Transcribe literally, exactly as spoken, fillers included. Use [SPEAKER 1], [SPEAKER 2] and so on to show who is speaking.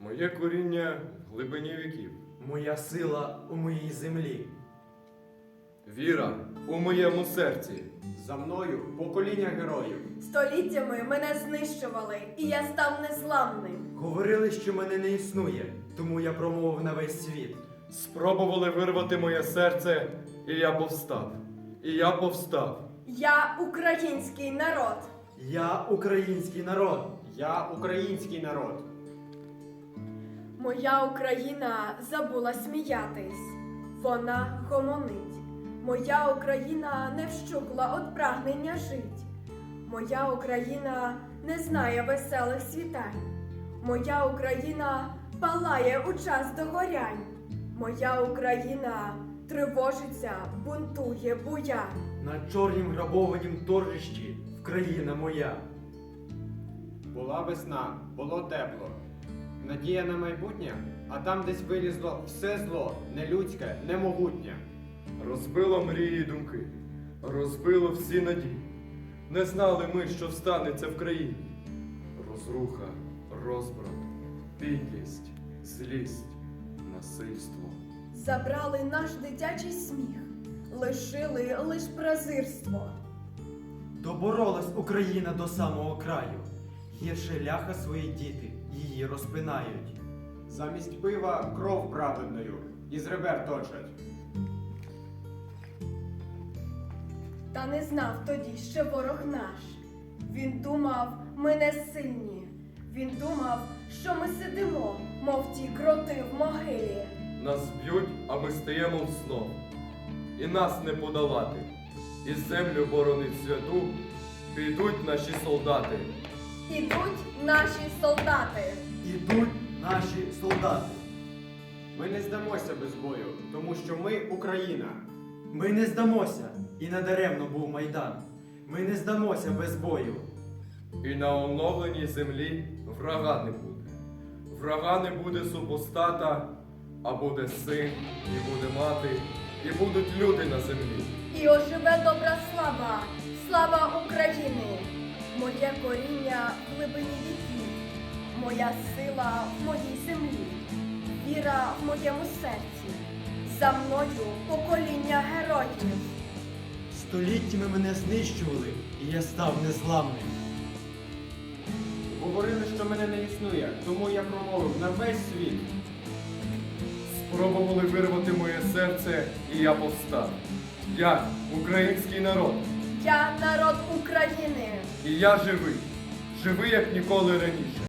[SPEAKER 1] Моє коріння в глибині віків.
[SPEAKER 2] Моя сила у моїй землі.
[SPEAKER 1] Віра у моєму серці.
[SPEAKER 3] За мною покоління героїв.
[SPEAKER 4] Століттями мене знищували, і я став незламним.
[SPEAKER 2] Говорили, що мене не існує, тому я промовив на весь світ.
[SPEAKER 1] Спробували вирвати моє серце, і я повстав. І я повстав.
[SPEAKER 4] Я український народ.
[SPEAKER 2] Я український народ.
[SPEAKER 3] Я український народ.
[SPEAKER 4] Моя Україна забула сміятись. Вона гомонить. Моя Україна не вщукла от прагнення жить. Моя Україна не знає веселих світань. Моя Україна палає у час догорянь. Моя Україна тривожиться, бунтує, буя.
[SPEAKER 2] На чорнім грабованім торжищі Вкраїна моя.
[SPEAKER 3] Була весна, було тепло. Надія на майбутнє, а там десь вилізло все зло, нелюдське, немогутнє.
[SPEAKER 1] Розбило мрії й думки, розбило всі надії. Не знали ми, що встанеться в країні. Розруха, розбрат, підлість, злість, насильство.
[SPEAKER 4] Забрали наш дитячий сміх, лишили лиш презирство.
[SPEAKER 2] Доборолась Україна до самого краю. Гірше ляха свої діти її розпинають.
[SPEAKER 3] Замість пива кров праведною із ребер точать.
[SPEAKER 4] Та не знав тоді ще ворог наш. Він думав, ми не сильні. Він думав, що ми сидимо, мов ті кроти в могилі.
[SPEAKER 1] Нас б'ють, а ми стаємо знов. І нас не подолати. І землю боронить святу, підуть наші солдати.
[SPEAKER 4] Ідуть наші солдати.
[SPEAKER 2] Ідуть наші солдати.
[SPEAKER 3] Ми не здамося без бою, тому що ми Україна.
[SPEAKER 2] Ми не здамося, і надаремно був Майдан. Ми не здамося без бою.
[SPEAKER 1] І на оновленій землі врага не буде. Врага не буде супостата, а буде син, і буде мати, і будуть люди на землі.
[SPEAKER 4] І оживе добра слава, слава України. Моє коріння в глибині віків, моя сила в моїй землі, віра в моєму серці, за мною покоління героїв.
[SPEAKER 2] Століттями мене знищували, і я став незламним.
[SPEAKER 3] Говорили, що мене не існує, тому я промовив на весь світ.
[SPEAKER 1] Спробували вирвати моє серце, і я повстав. Я український народ,
[SPEAKER 4] Я народ України.
[SPEAKER 1] і я живий, живий, як ніколи раніше.